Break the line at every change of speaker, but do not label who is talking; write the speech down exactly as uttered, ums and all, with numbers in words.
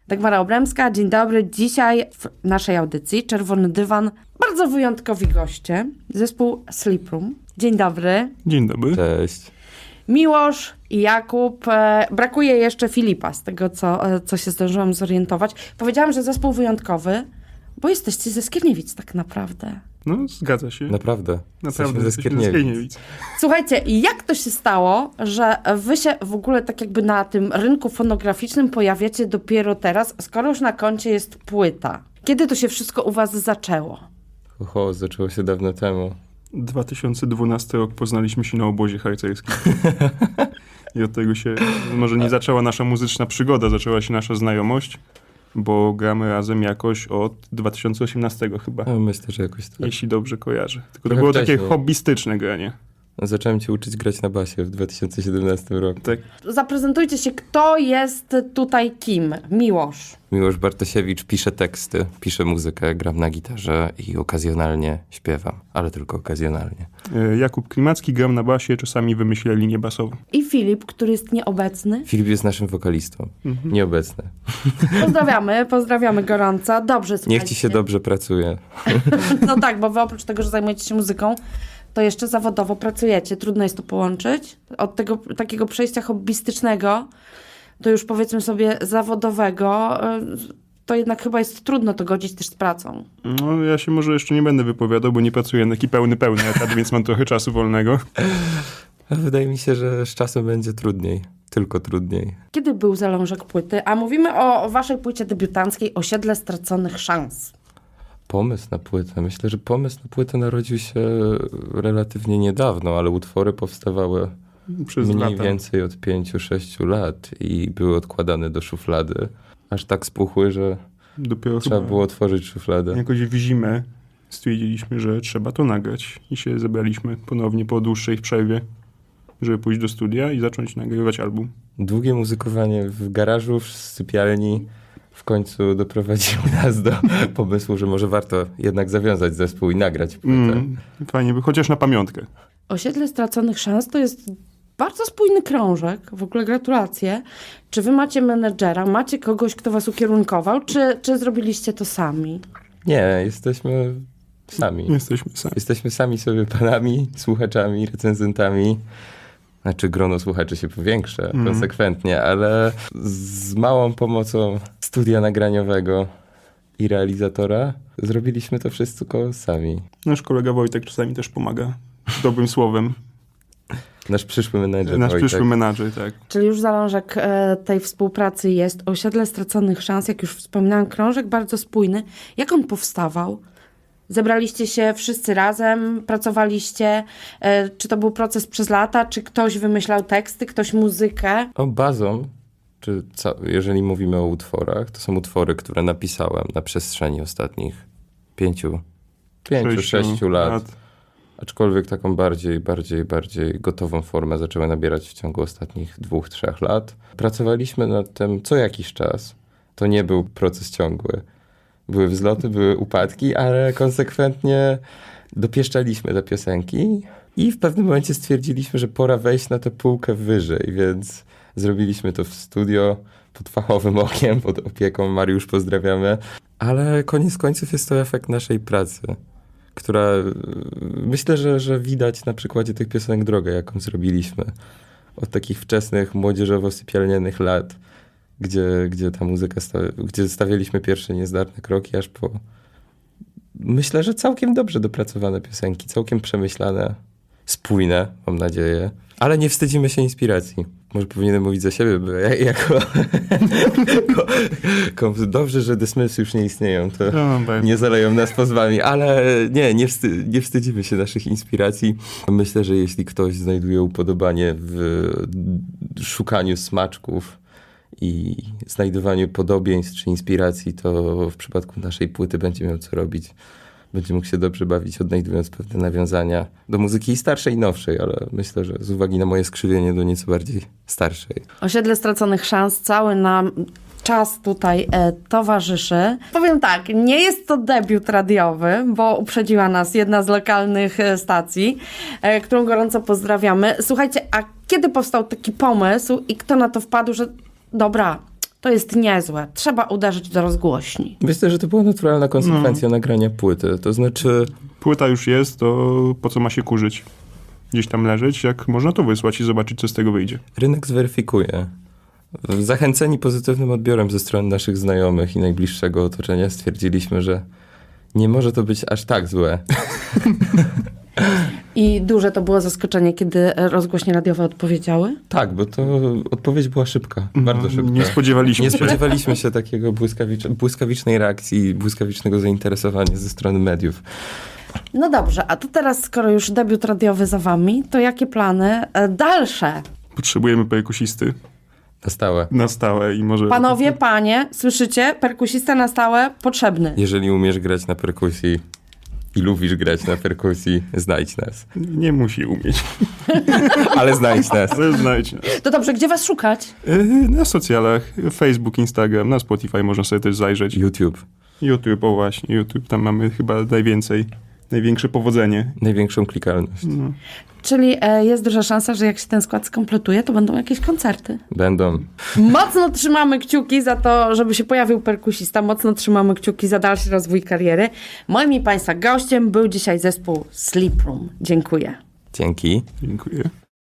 Dagmara Obremska, dzień dobry. Dzisiaj w naszej audycji Czerwony Dywan bardzo wyjątkowi goście. Zespół Sleep Room. Dzień dobry.
Dzień dobry.
Cześć.
Miłosz i Jakub. E, brakuje jeszcze Filipa, z tego co, e, co się zdążyłam zorientować. Powiedziałam, że zespół wyjątkowy, bo jesteście ze Skierniewic tak naprawdę.
No, zgadza się.
Naprawdę.
Naprawdę,
ze
jesteśmy ze Skierniewic.
Słuchajcie, jak to się stało, że wy się w ogóle tak jakby na tym rynku fonograficznym pojawiacie dopiero teraz, skoro już na koncie jest płyta? Kiedy to się wszystko u was zaczęło?
Oho, zaczęło się dawno temu.
dwa tysiące dwunasty rok poznaliśmy się na obozie harcerskim. I od tego się, może nie zaczęła nasza muzyczna przygoda, zaczęła się nasza znajomość, bo gramy razem jakoś od dwa tysiące osiemnastego chyba,
No, myślę, że jakoś tak.
jeśli dobrze kojarzę. Tylko to
Trochę
było
wcześniej.
takie hobbystyczne granie.
No, zacząłem cię uczyć grać na basie w dwa tysiące siedemnastym roku.
Tak.
Zaprezentujcie się, kto jest tutaj kim? Miłosz.
Miłosz Bartosiewicz pisze teksty, pisze muzykę, gram na gitarze i okazjonalnie śpiewam, ale tylko okazjonalnie.
E, Jakub Klimacki, gram na basie, czasami wymyślę linię basową.
I Filip, który jest nieobecny.
Filip jest naszym wokalistą,
Mhm.
nieobecny.
Pozdrawiamy, pozdrawiamy gorąco. Dobrze, słuchajcie.
Niech ci się dobrze pracuje.
No tak, bo wy oprócz tego, że zajmujecie się muzyką, to jeszcze zawodowo pracujecie. Trudno jest to połączyć. Od tego takiego przejścia hobbystycznego do już powiedzmy sobie zawodowego, y, to jednak chyba jest trudno to godzić też z pracą.
No, ja się może jeszcze nie będę wypowiadał, bo nie pracuję na taki pełny, pełny etat, więc mam trochę czasu wolnego.
A wydaje mi się, że z czasem będzie trudniej. Tylko trudniej.
Kiedy był zalążek płyty? A mówimy o waszej płycie debiutanckiej Osiedle Straconych Szans.
Pomysł na płytę. Myślę, że pomysł na płytę narodził się relatywnie niedawno, ale utwory powstawały
Przez
mniej
lata.
więcej od pięciu, sześciu lat i były odkładane do szuflady. Aż tak spuchły, że
Dopiero
trzeba
chyba
było otworzyć szufladę.
jakoś w zimę stwierdziliśmy, że trzeba to nagrać. I się zebraliśmy ponownie po dłuższej przerwie, żeby pójść do studia i zacząć nagrywać album.
Długie muzykowanie w garażu, w sypialni w końcu doprowadziło nas do pomysłu, że może warto jednak zawiązać zespół i nagrać płytę.
Mm, fajnie by, chociaż na pamiątkę.
Osiedle Straconych Szans to jest bardzo spójny krążek. W ogóle gratulacje. Czy wy macie menedżera, macie kogoś, kto was ukierunkował, czy, czy zrobiliście to sami?
Nie, jesteśmy sami.
Jesteśmy sami.
Jesteśmy sami sobie panami, słuchaczami, recenzentami. Znaczy grono słuchaczy się powiększa
Mhm.
konsekwentnie, ale z małą pomocą studia nagraniowego i realizatora zrobiliśmy to wszystko sami.
Nasz kolega Wojtek czasami też pomaga dobrym słowem.
Nasz przyszły menedżer
Nasz
Wojtek.
przyszły menadżer, tak.
Czyli już zalążek e, tej współpracy jest. Osiedle Straconych Szans, jak już wspominałam, krążek bardzo spójny. Jak on powstawał? Zebraliście się wszyscy razem, pracowaliście? E, czy to był proces przez lata? Czy ktoś wymyślał teksty, ktoś muzykę?
O, bazą, czy ca- jeżeli mówimy o utworach, to są utwory, które napisałem na przestrzeni ostatnich pięciu, pięciu, sześciu lat. Aczkolwiek taką bardziej, bardziej, bardziej gotową formę zaczęły nabierać w ciągu ostatnich dwóch, trzech lat. Pracowaliśmy nad tym co jakiś czas. To nie był proces ciągły. Były wzloty, były upadki, ale konsekwentnie dopieszczaliśmy te piosenki i w pewnym momencie stwierdziliśmy, że pora wejść na tę półkę wyżej, więc zrobiliśmy to w studio pod fachowym okiem, pod opieką. Mariusz, pozdrawiamy. Ale koniec końców jest to efekt naszej pracy, która myślę, że, że widać na przykładzie tych piosenek drogę, jaką zrobiliśmy. Od takich wczesnych, młodzieżowo-sypialnianych lat, gdzie, gdzie ta muzyka, sta- gdzie stawialiśmy pierwsze niezdarne kroki, aż po myślę, że całkiem dobrze dopracowane piosenki, całkiem przemyślane, spójne, mam nadzieję. Ale nie wstydzimy się inspiracji. Może powinienem mówić za siebie, bo ja, jako... ko, ko, dobrze, że The Smiths już nie istnieją, to
No, bardzo.
nie zaleją nas pozwami, ale nie, nie, wsty, nie wstydzimy się naszych inspiracji. Myślę, że jeśli ktoś znajduje upodobanie w szukaniu smaczków i znajdowaniu podobieństw czy inspiracji, to w przypadku naszej płyty będzie miał co robić. Będzie mógł się dobrze bawić, odnajdując pewne nawiązania do muzyki i starszej i nowszej, ale myślę, że z uwagi na moje skrzywienie do nieco bardziej starszej.
Osiedle Straconych Szans cały nam czas tutaj e, towarzyszy. Powiem tak, nie jest to debiut radiowy, bo uprzedziła nas jedna z lokalnych e, stacji, e, którą gorąco pozdrawiamy. Słuchajcie, a kiedy powstał taki pomysł i kto na to wpadł, że dobra, to jest niezłe. Trzeba uderzyć do rozgłośni.
Myślę, że to była naturalna konsekwencja
No.
nagrania płyty. To znaczy,
Płyta już jest, to po co ma się kurzyć? Gdzieś tam leżeć, jak można to wysłać i zobaczyć, co z tego wyjdzie.
rynek zweryfikuje. Zachęceni pozytywnym odbiorem ze strony naszych znajomych i najbliższego otoczenia stwierdziliśmy, że nie może to być aż tak złe.
I duże to było zaskoczenie, kiedy rozgłośnie radiowe odpowiedziały.
Tak, bo to odpowiedź była szybka, bardzo
No,
szybka.
Nie spodziewaliśmy
Nie
się.
spodziewaliśmy się takiego błyskawicz- błyskawicznej reakcji i błyskawicznego zainteresowania ze strony mediów.
No dobrze, a to teraz, skoro już debiut radiowy za wami, to jakie plany e, dalsze?
Potrzebujemy perkusisty
Na stałe.
na stałe i może...
Panowie, panie, słyszycie? Perkusista na stałe potrzebny.
Jeżeli umiesz grać na perkusji i lubisz grać na perkusji, znajdź nas.
Nie musi umieć,
Ale znajdź nas.
ale znajdź nas.
To dobrze, gdzie was szukać?
Yy, Na socjalach, Facebook, Instagram, na Spotify można sobie też zajrzeć.
YouTube.
YouTube, o właśnie, YouTube, tam mamy chyba najwięcej, największe powodzenie.
Największą klikalność.
No.
Czyli e, jest duża szansa, że jak się ten skład skompletuje, to będą jakieś koncerty.
Będą.
Mocno trzymamy kciuki za to, żeby się pojawił perkusista. Mocno trzymamy kciuki za dalszy rozwój kariery. Moim i Państwa gościem był dzisiaj zespół Sleep Room. Dziękuję.
Dzięki.
Dziękuję.